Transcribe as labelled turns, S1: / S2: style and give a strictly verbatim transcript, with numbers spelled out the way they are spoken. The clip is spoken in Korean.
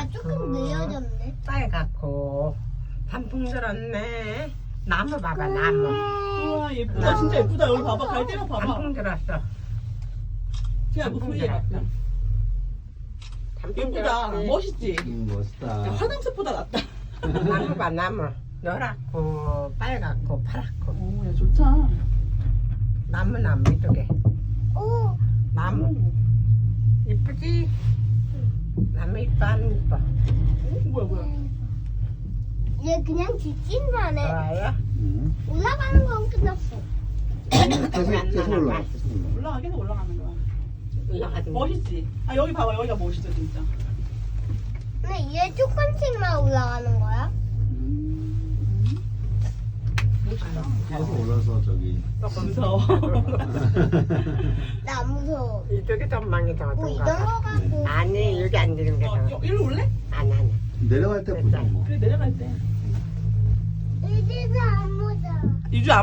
S1: 아, 조금 느려졌네.
S2: 빨갛고 단풍 들었네. 나무 봐봐 나무.
S3: 우와 예쁘다 진짜 예쁘다. 여기 봐봐 갈대랑 봐봐.
S2: 단풍 들었어.
S3: 야 이거 소희에 같다.
S2: 단풍
S3: 예쁘다.
S2: 들었지.
S3: 멋있지?
S4: 음, 멋있다.
S3: 야, 화장색보다 낫다.
S2: 나무 봐 나무. 노랗고 빨갛고 파랗고
S3: 오야 좋다.
S2: 나무 나무 이쪽에
S1: 오,
S2: 나무 이쁘지? 나무 이뻐 안 이뻐?
S3: 오, 뭐야 뭐야.
S1: 얘 그냥 뒷진만 해.
S2: 좋아요?
S4: 음.
S1: 올라가는 건 끝났어.
S4: 계속, 계속 올라가. 계속 올라가.
S3: 올라가 계속 올라가는 거야.
S2: 올라가지 뭐.
S3: 멋있지? 아 여기 봐봐 여기가 멋있어 진짜.
S1: 근데 얘 조금씩만 올라가는 거야?
S3: 멋있다.
S4: 계속 올라서 저기.
S3: 무서워.
S1: 나 무서워.
S2: 이쪽에 전망이 더
S1: 뭐 이런
S2: 좋은가 봐.
S1: 거 갖고.
S2: 아니 여기 앉는 게
S3: 어,
S2: 더.
S3: 여- 이리로 올래?
S2: 아니 아니.
S4: 내려갈 때 보자 뭐.
S3: 그래 내려갈 때.
S1: 이제서 안 보자.
S3: 유주